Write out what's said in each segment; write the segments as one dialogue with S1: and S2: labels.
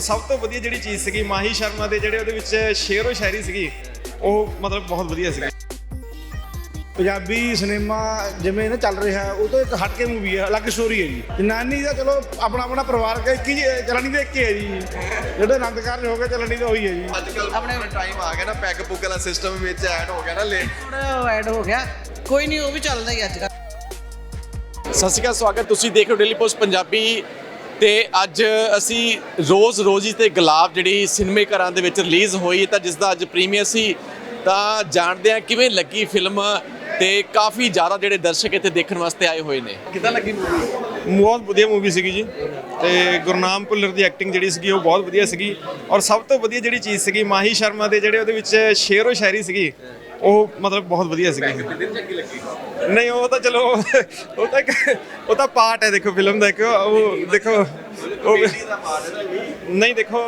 S1: ਸਭ ਤੋਂ ਵਧੀਆ ਜਿਹੜੀ ਚੀਜ਼ ਸੀਗੀ ਮਾਹੀ ਸ਼ਰਮਾ ਦੇ ਜਿਹੜੇ ਉਹਦੇ ਵਿੱਚ ਸ਼ੇਰੋ ਸ਼ਾਇਰੀ ਸੀਗੀ ਉਹ ਮਤਲਬ ਬਹੁਤ ਵਧੀਆ ਸੀਗੀ।
S2: ਪੰਜਾਬੀ ਸਿਨੇਮਾ ਜਿਵੇਂ ਨਾ ਚੱਲ ਰਿਹਾ ਉਹ ਤੋਂ ਇੱਕ ਹਟ ਕੇ ਮੂਵੀ ਹੈ, ਅਲੱਗ ਸਟੋਰੀ ਹੈ ਜੀ। ਜਨਾਨੀ ਦਾ ਚਲੋ ਆਪਣਾ ਆਪਣਾ ਪਰਿਵਾਰ ਇੱਕ ਹੀ ਚਲਣੀ ਦੇ ਇੱਕ ਹੀ ਹੈ ਜੀ, ਜਿਹੜੇ ਆਨੰਦ ਕਾਰਜ ਹੋ ਗਏ ਚਲਣੀ ਤਾਂ ਉਹੀ ਹੈ ਜੀ।
S3: ਅੱਜ ਕੱਲ ਆਪਣੇ ਟਾਈਮ ਆ ਗਿਆ ਨਾ, ਪੈਗ ਪੁੱਗ ਵਾਲਾ ਸਿਸਟਮ ਵਿੱਚ ਐਡ ਹੋ ਗਿਆ ਨਾ,
S4: ਐਡ ਹੋ ਗਿਆ, ਕੋਈ ਨਹੀਂ ਉਹ ਵੀ ਚੱਲਦਾ ਹੀ ਅੱਜ ਕੱਲ੍ਹ।
S3: ਸਤਿ ਸ਼੍ਰੀ ਅਕਾਲ, ਸਵਾਗਤ ਤੁਸੀਂ ਦੇਖ ਰਹੇ ਹੋ ਡੇਲੀ ਪੋਸਟ ਪੰਜਾਬੀ ਤੇ ਅੱਜ ਅਸੀਂ ਰੋਜ਼ ਤੇ ਗੁਲਾਬ ਜਿਹੜੀ ਸਿਨੇਮੇ ਘਰਾਂ ਦੇ ਵਿੱਚ ਰਿਲੀਜ਼ ਹੋਈ ਤਾਂ ਜਿਸ ਦਾ ਅੱਜ ਪ੍ਰੀਮੀਅਰ ਸੀ, ਤਾਂ ਜਾਣਦੇ ਹਾਂ ਕਿਵੇਂ ਲੱਗੀ ਫਿਲਮ ਤੇ ਕਾਫੀ ਜ਼ਿਆਦਾ ਜਿਹੜੇ ਦਰਸ਼ਕ ਇੱਥੇ ਦੇਖਣ ਵਾਸਤੇ ਆਏ ਹੋਏ ਨੇ। ਕਿੱਦਾਂ ਲੱਗੀ ਮੂਵੀ?
S1: ਬਹੁਤ ਵਧੀਆ ਮੂਵੀ ਸੀਗੀ ਜੀ ਤੇ ਗੁਰਨਾਮ ਭੁੱਲਰ ਦੀ ਐਕਟਿੰਗ ਜਿਹੜੀ ਸੀਗੀ ਉਹ ਬਹੁਤ ਵਧੀਆ ਸੀਗੀ ਔਰ ਸਭ ਤੋਂ ਵਧੀਆ ਜਿਹੜੀ ਚੀਜ਼ ਸੀਗੀ ਮਾਹੀ ਸ਼ਰਮਾ ਦੇ ਜਿਹੜੇ ਉਹਦੇ ਵਿੱਚ ਸ਼ੇਰੋ ਸ਼ਾਇਰੀ ਸੀਗੀ ਉਹ ਮਤਲਬ ਬਹੁਤ ਵਧੀਆ ਸੀਗੀ। ਨਹੀਂ ਉਹ ਤਾਂ ਚਲੋ ਉਹ ਤਾਂ ਪਾਰਟ ਹੈ, ਦੇਖੋ ਫਿਲਮ ਦਾ ਇੱਕ ਉਹ ਦੇਖੋ ਉਹ ਨਹੀਂ ਦੇਖੋ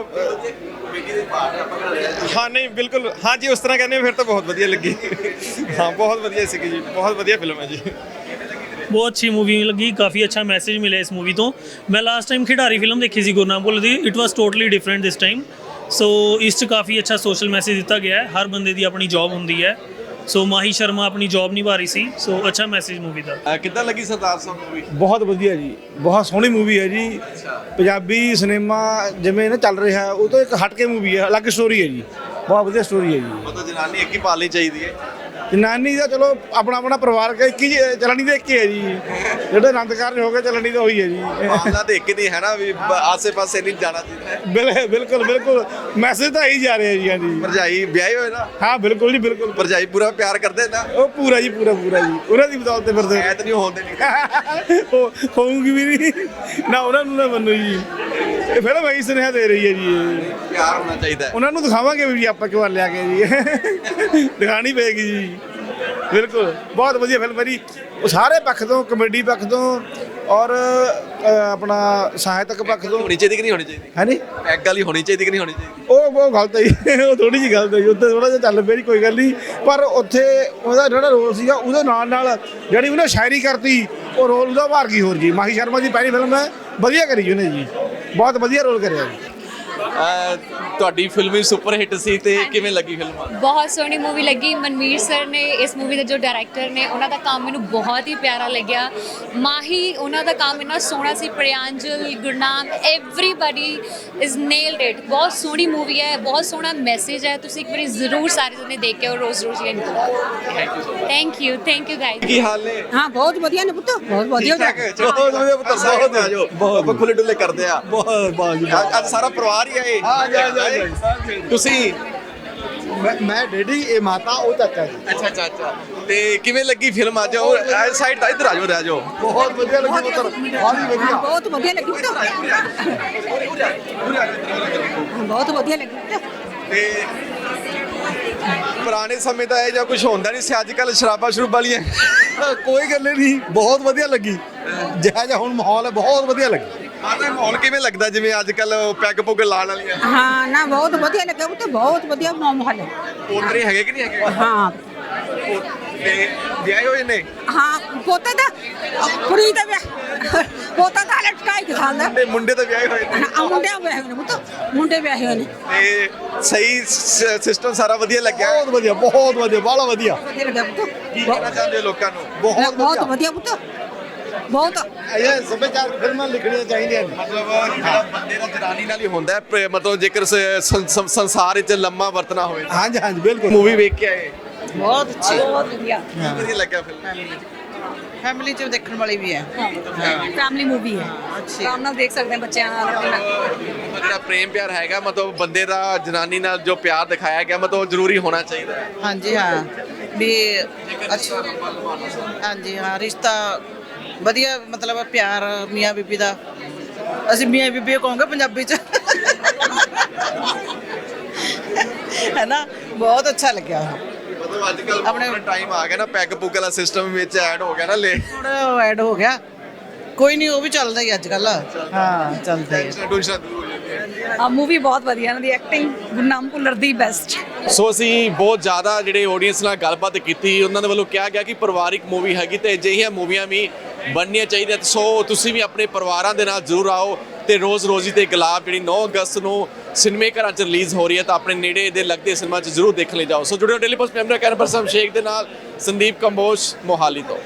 S1: ਹਾਂ ਨਹੀਂ ਬਿਲਕੁਲ ਹਾਂ ਜੀ ਉਸ ਤਰ੍ਹਾਂ ਕਹਿੰਦੇ ਹੋ ਫਿਰ ਤਾਂ ਬਹੁਤ ਵਧੀਆ ਲੱਗੀ। ਹਾਂ ਬਹੁਤ ਵਧੀਆ ਸੀਗੀ ਜੀ, ਬਹੁਤ ਵਧੀਆ ਫਿਲਮ ਹੈ ਜੀ।
S5: ਬਹੁਤ ਅੱਛੀ ਮੂਵੀ ਲੱਗੀ, ਕਾਫੀ ਅੱਛਾ ਮੈਸੇਜ ਮਿਲਿਆ ਇਸ ਮੂਵੀ ਤੋਂ। ਮੈਂ ਲਾਸਟ ਟਾਈਮ ਖਿਡਾਰੀ ਫਿਲਮ ਦੇਖੀ ਸੀ ਗੁਰਨਾਮ ਭੁੱਲਰ ਦੀ, it was totally different this time. So ਇਸ 'ਚ ਕਾਫੀ ਅੱਛਾ ਸੋਸ਼ਲ ਮੈਸੇਜ ਦਿੱਤਾ ਗਿਆ ਹੈ, ਹਰ ਬੰਦੇ ਦੀ ਆਪਣੀ ਜੌਬ ਹੁੰਦੀ ਹੈ। ਸੋ ਮਾਹੀ ਸ਼ਰਮਾ ਆਪਣੀ ਜੌਬ ਨਿਭਾ ਰਹੀ ਸੀ, ਸੋ ਅੱਛਾ ਮੈਸੇਜ ਮੂਵੀ ਦਾ।
S3: ਕਿੱਦਾਂ ਲੱਗੀ ਸਰਦਾਰ ਸਾਹਿਬ ਮੂਵੀ?
S2: ਬਹੁਤ ਵਧੀਆ ਜੀ, ਬਹੁਤ ਸੋਹਣੀ ਮੂਵੀ ਹੈ ਜੀ। ਪੰਜਾਬੀ ਸਿਨੇਮਾ ਜਿਵੇਂ ਨਾ ਚੱਲ ਰਿਹਾ ਉਹ ਤੋਂ ਇੱਕ ਹਟ ਕੇ ਮੂਵੀ ਹੈ, ਅਲੱਗ ਸਟੋਰੀ ਹੈ ਜੀ, ਬਹੁਤ ਵਧੀਆ ਸਟੋਰੀ ਹੈ ਜੀ।
S3: ਮਤਲਬ ਜਨਾਨੀ ਇੱਕ ਹੀ ਪਾਲਣੀ ਚਾਹੀਦੀ ਹੈ।
S2: ਜਨਾਨੀ ਦਾ ਚਲੋ ਆਪਣਾ ਆਪਣਾ ਪਰਿਵਾਰ ਇੱਕ ਹੀ ਚਲਣੀ ਦੇ ਇੱਕ ਹੀ ਹੈ ਜੀ, ਜਿਹੜੇ ਆਨੰਦ ਕਾਰਜ ਹੋ ਗਏ ਚਲਣੀ ਤਾਂ ਉਹੀ ਹੈ ਜੀ।
S3: ਮਾਮਲਾ ਤੇ ਇੱਕ ਨਹੀਂ ਹੈ ਨਾ, ਵੀ ਆਸੇ ਪਾਸੇ ਨਹੀਂ ਜਾਣਾ ਚਾਹੀਦਾ।
S2: ਬਿਲਕੁਲ ਮੈਸੇਜ ਤਾਂ ਆਈ ਜਾ ਰਿਹਾ ਜੀ। ਹਾਂਜੀ
S3: ਭਰਜਾਈ ਵਿਆਹੇ ਹੋਏ ਨਾ?
S2: ਹਾਂ ਬਿਲਕੁਲ ਜੀ ਬਿਲਕੁਲ।
S3: ਭਰਜਾਈ ਪੂਰਾ ਪਿਆਰ ਕਰਦੇ ਨਾ?
S2: ਉਹ ਪੂਰਾ ਜੀ ਪੂਰਾ ਜੀ, ਉਹਨਾਂ ਦੀ ਬਦੌਲਤ ਤੇ ਫਿਰਦੇ
S3: ਐਤ ਨਹੀਂ ਹੋਣ ਦੇਣੀ।
S2: ਉਹ ਹੋਊਗੀ ਵੀ ਨਹੀਂ ਨਾ, ਉਹਨਾਂ ਨੂੰ ਨਾ ਮੰਨੋ ਜੀ। ਇਹ ਫਿਲਮ ਇਹੀ ਸੁਨੇਹਾ ਦੇ ਰਹੀ ਹੈ ਜੀ, ਇਹ
S3: ਪਿਆਰ ਹੋਣਾ ਚਾਹੀਦਾ ਹੈ।
S2: ਉਹਨਾਂ ਨੂੰ ਦਿਖਾਵਾਂਗੇ ਵੀ ਆਪਾਂ ਕਿਉਂ ਲਿਆ ਕੇ ਜੀ, ਦਿਖਾਣੀ ਪਏਗੀ ਜੀ। ਬਿਲਕੁਲ ਬਹੁਤ ਵਧੀਆ ਫਿਲਮ ਹੈ ਜੀ, ਉਹ ਸਾਰੇ ਪੱਖ ਤੋਂ, ਕਮੇਡੀ ਪੱਖ ਤੋਂ ਔਰ ਆਪਣਾ ਸਾਹਿਤਕ ਪੱਖ ਤੋਂ।
S3: ਹੋਣੀ ਚਾਹੀਦੀ ਕਿ ਨਹੀਂ ਹੋਣੀ ਚਾਹੀਦੀ?
S2: ਹਾਂਜੀ
S3: ਪੈਗ ਵਾਲੀ ਹੋਣੀ ਚਾਹੀਦੀ ਕਿ ਨਹੀਂ ਹੋਣੀ ਚਾਹੀਦੀ?
S2: ਉਹ ਗਲਤ ਹੈ ਜੀ, ਉਹ ਥੋੜੀ ਜਿਹੀ ਗਲਤ ਹੈ ਜੀ। ਉੱਥੇ ਥੋੜਾ ਜਿਹਾ ਚੱਲ ਪਿਆ ਜੀ, ਕੋਈ ਗੱਲ ਨਹੀਂ, ਪਰ ਉੱਥੇ ਉਹਦਾ ਜਿਹੜਾ ਰੋਲ ਸੀਗਾ ਉਹਦੇ ਨਾਲ ਜਿਹੜੀ ਉਹਨੇ ਸ਼ਾਇਰੀ ਕਰਤੀ, ਉਹ ਰੋਲ ਉਹਦਾ ਭਾਰ ਕੀ ਹੋਰ ਜੀ। ਮਾਹੀ ਸ਼ਰਮਾ ਦੀ ਪਹਿਲੀ ਫਿਲਮ ਹੈ, ਵਧੀਆ ਕਰੀ ਜੀ ਉਹਨੇ ਜੀ, ਬਹੁਤ ਵਧੀਆ ਰੋਲ ਕਰਿਆ ਜੀ।
S3: ਤੁਹਾਡੀ ਫਿਲਮ ਵੀ ਸੁਪਰ ਹਿੱਟ ਸੀ ਤੇ ਕਿਵੇਂ ਲੱਗੀ ਫਿਲਮ?
S6: ਬਹੁਤ ਸੋਹਣੀ ਮੂਵੀ ਲੱਗੀ। ਮਨਵੀਰ ਸਰ ਨੇ ਇਸ ਮੂਵੀ ਦੇ ਜੋ ਡਾਇਰੈਕਟਰ ਨੇ ਉਹਨਾਂ ਦਾ ਕੰਮ ਮੈਨੂੰ ਬਹੁਤ ਹੀ ਪਿਆਰਾ ਲੱਗਿਆ। ਮਾਹੀ ਉਹਨਾਂ ਦਾ ਕੰਮ ਇੰਨਾ ਸੋਹਣਾ ਸੀ, Pranjal, Gurnam, everybody is nailed it. ਬਹੁਤ ਸੋਹਣੀ ਮੂਵੀ ਹੈ, ਬਹੁਤ ਸੋਹਣਾ ਮੈਸੇਜ ਹੈ। ਤੁਸੀਂ ਇੱਕ ਵਾਰੀ ਜ਼ਰੂਰ ਸਾਰੇ ਜਣੇ ਦੇਖ ਕੇ ਆਓ, ਰੋਜ਼ ਥੈਂਕ ਯੂ ਗਾਇਜ਼।
S3: ਕੀ ਹਾਲ ਨੇ?
S4: ਹਾਂ ਬਹੁਤ ਵਧੀਆ ਨੇ ਪੁੱਤ, ਬਹੁਤ ਵਧੀਆ।
S3: ਬਹੁਤ ਵਧੀਆ ਪੁੱਤਰ, ਬਹੁਤ ਆਜੋ, ਬਹੁਤ ਖੁੱਲੇ ਡੁੱਲੇ ਕਰਦੇ ਆ। ਅੱਜ ਸਾਰਾ ਪਰਿਵਾਰ ਹੀ ਆਏ। ਤੁਸੀਂ?
S2: ਮੈਂ ਡੈਡੀ, ਇਹ ਮਾਤਾ, ਉਹ ਚਾਚਾ ਜੀ।
S3: ਅੱਛਾ ਤੇ ਕਿਵੇਂ ਲੱਗੀ ਫਿਲਮ? ਅੱਜ ਉਹ ਸਾਈਡ ਦਾ ਇੱਧਰ ਆਜੋ, ਰਹਿ ਜਾਓ।
S2: ਬਹੁਤ ਵਧੀਆ ਲੱਗੀ ਪੁੱਤਰ,
S4: ਬਹੁਤ ਵਧੀਆ ਲੱਗੀ ਪੁੱਤ, ਬਹੁਤ ਵਧੀਆ ਲੱਗੀ ਪੁੱਤ।
S3: ਤੇ ਪੁਰਾਣੇ ਸਮੇਂ ਦਾ ਇਹ ਜਾਂ ਕੁਝ ਹੁੰਦਾ ਨਹੀਂ ਸੀ, ਅੱਜ ਕੱਲ ਸ਼ਰਾਬਾਂ ਵਾਲੀਆਂ।
S2: ਕੋਈ ਗੱਲ ਨਹੀਂ, ਬਹੁਤ ਵਧੀਆ ਲੱਗੀ। ਜਿਹੜਾ ਜਿਹਾ ਹੁਣ ਮਾਹੌਲ ਹੈ, ਬਹੁਤ ਵਧੀਆ ਲੱਗੀ।
S3: ਮਾਤਾ ਮਾਹੌਲ ਕਿਵੇਂ ਲੱਗਦਾ ਜਿਵੇਂ ਅੱਜ ਕੱਲ ਪੈਗ ਪੁੱਗ ਲਾਉਣ ਵਾਲੀਆਂ?
S4: ਹਾਂ ਨਾ ਬਹੁਤ ਵਧੀਆ ਲੱਗਾ ਪੁੱਤ, ਬਹੁਤ ਵਧੀਆ ਮਾਹੌਲ ਹੈ।
S3: ਪੋਤਰੇ ਹੈਗੇ ਕਿ ਨਹੀਂ ਹੈਗੇ?
S4: ਹਾਂ
S3: ਤੇ ਵਿਆਹੇ ਹੋਏ ਨੇ?
S4: ਹਾਂ ਪੋਤਾ ਦਾ ਕੁੜੀ ਦਾ ਵਿਆਹ, ਪੋਤਾ ਦਾ ਲਟਕਾਈ ਕੇ ਖਾਂਦਾ।
S3: ਤੇ ਮੁੰਡੇ ਤਾਂ ਵਿਆਹੇ ਹੋਏ ਨੇ?
S4: ਮੁੰਡੇ ਵਿਆਹੇ ਨੇ ਪੁੱਤ, ਮੁੰਡੇ ਵਿਆਹੇ ਹੋਏ ਨੇ।
S3: ਤੇ ਸਹੀ ਸਿਸਟਮ ਸਾਰਾ ਵਧੀਆ ਲੱਗਿਆ?
S2: ਬਹੁਤ ਵਧੀਆ ਬਾਹਲਾ ਵਧੀਆ।
S4: ਵਧੀਆ ਲੱਗਾ ਪੁੱਤ,
S3: ਕੀ ਕਹਿਣਾ ਚਾਹੁੰਦੇ ਹੋ ਲੋਕਾਂ ਨੂੰ?
S4: ਬਹੁਤ ਵਧੀਆ ਪੁੱਤ, ਬਹੁਤ।
S2: ਇਹ ਸੱਭਿਆਚਾਰ ਫਿਲਮਾਂ ਲਿਖਣੀਆਂ ਚਾਹੀਦੀਆਂ ਨੇ।
S3: ਮਤਲਬ ਜਿਹੜਾ ਬੰਦੇ ਦਾ ਜਨਾਨੀ ਨਾਲ ਹੀ ਹੁੰਦਾ ਹੈ, ਮਤਲਬ ਜੇਕਰ ਸੰਸਾਰ ਵਿੱਚ ਲੰਮਾ ਵਰਤਣਾ ਹੋਵੇ।
S2: ਹਾਂਜੀ ਬਿਲਕੁਲ।
S3: ਮੂਵੀ ਵੇਖ ਕੇ ਆਏ?
S4: ਬਹੁਤ ਅੱਛੀ, ਬਹੁਤ ਵਧੀਆ।
S3: ਵਧੀਆ ਲੱਗਿਆ ਫਿਲਮ?
S4: ਫੈਮਿਲੀ ਚ ਦੇਖਣ ਵਾਲੀ ਵੀ ਹੈ,
S6: ਫੈਮਿਲੀ ਮੂਵੀ ਹੈ, ਆਰਾਮ ਨਾਲ ਦੇਖ ਸਕਦੇ ਹਾਂ ਬੱਚਿਆਂ ਨਾਲ।
S3: ਜਿਹੜਾ ਪ੍ਰੇਮ ਪਿਆਰ ਹੈਗਾ, ਮਤਲਬ ਬੰਦੇ ਦਾ ਜਨਾਨੀ ਨਾਲ ਜੋ ਪਿਆਰ ਦਿਖਾਇਆ ਗਿਆ, ਮਤਲਬ ਜ਼ਰੂਰੀ ਹੋਣਾ ਚਾਹੀਦਾ ਹੈ।
S4: ਹਾਂਜੀ ਹਾਂ ਵੀ ਅੱਛਾ, ਹਾਂਜੀ ਹਾਂ ਰਿਸ਼ਤਾ ਵਧੀਆ, ਮਤਲਬ ਪਿਆਰ ਮੀਆਂ ਬੀਬੀ ਦਾ। ਅਸੀਂ ਮੀਆਂ ਬੀਬੀ ਕਹਾਂਗੇ ਪੰਜਾਬੀ ਚ, ਹੈ ਨਾ। ਬਹੁਤ ਅੱਛਾ ਲੱਗਿਆ।
S3: ਮਤਲਬ ਅੱਜ ਕੱਲ ਆਪਣੇ ਟਾਈਮ ਆ ਗਿਆ ਨਾ, ਪੈਗ ਪੁੱਗ ਵਾਲਾ ਸਿਸਟਮ ਵਿੱਚ ਐਡ ਹੋ ਗਿਆ ਨਾ,
S4: ਥੋੜਾ ਐਡ ਹੋ ਗਿਆ, ਕੋਈ ਨਹੀਂ ਉਹ ਵੀ ਚੱਲਦਾ ਹੀ ਅੱਜ ਕੱਲ। ਹਾਂ ਚੱਲਦਾ ਹੀ ਹੈ।
S6: ਮੂਵੀ ਬਹੁਤ ਵਧੀਆ, ਇਹਨਾਂ ਦੀ ਐਕਟਿੰਗ ਗੁਰਨਾਮ ਭੁੱਲਰ ਦੀ ਬੈਸਟ।
S3: ਸੋ ਅਸੀਂ ਬਹੁਤ ਜ਼ਿਆਦਾ ਜਿਹੜੇ ਆਡੀਅנס ਨਾਲ ਗੱਲਬਾਤ ਕੀਤੀ, ਉਹਨਾਂ ਦੇ ਵੱਲੋਂ ਕਿਹਾ ਗਿਆ ਕਿ ਪਰਿਵਾਰਿਕ ਮੂਵੀ ਹੈਗੀ ਤੇ ਅਜਿਹੀਆਂ ਮੂਵੀਆਂ ਵੀ ਬਣਨੀਆਂ ਚਾਹੀਦੀਆਂ। ਸੋ ਤੁਸੀਂ ਵੀ ਆਪਣੇ ਪਰਿਵਾਰਾਂ ਦੇ ਨਾਲ ਜ਼ਰੂਰ ਆਓ ਤੇ ਰੋਜ਼ ਰੋਜ਼ੀ ਤੇ ਗੁਲਾਬ ਜਿਹੜੀ 9 ਅਗਸਤ ਨੂੰ ਸਿਨੇਮੇ ਘਰਾਂ 'ਚ ਰਿਲੀਜ਼ ਹੋ ਰਹੀ ਹੈ ਤਾਂ ਆਪਣੇ ਨੇੜੇ ਦੇ ਲੱਗਦੇ ਸਿਨੇਮਾ 'ਚ ਜ਼ਰੂਰ ਦੇਖਣ ਲਈ ਜਾਓ। ਸੋ ਜੁੜਿਓ ਡੇਲੀ ਪੋਸਟ ਮੈਂਬਰ ਕੈਨਪਰ ਸ਼ੇਖ ਦੇ ਨਾਲ। ਸੰਦੀਪ ਕੰਬੋਜ ਮੋਹਾਲੀ ਤੋਂ।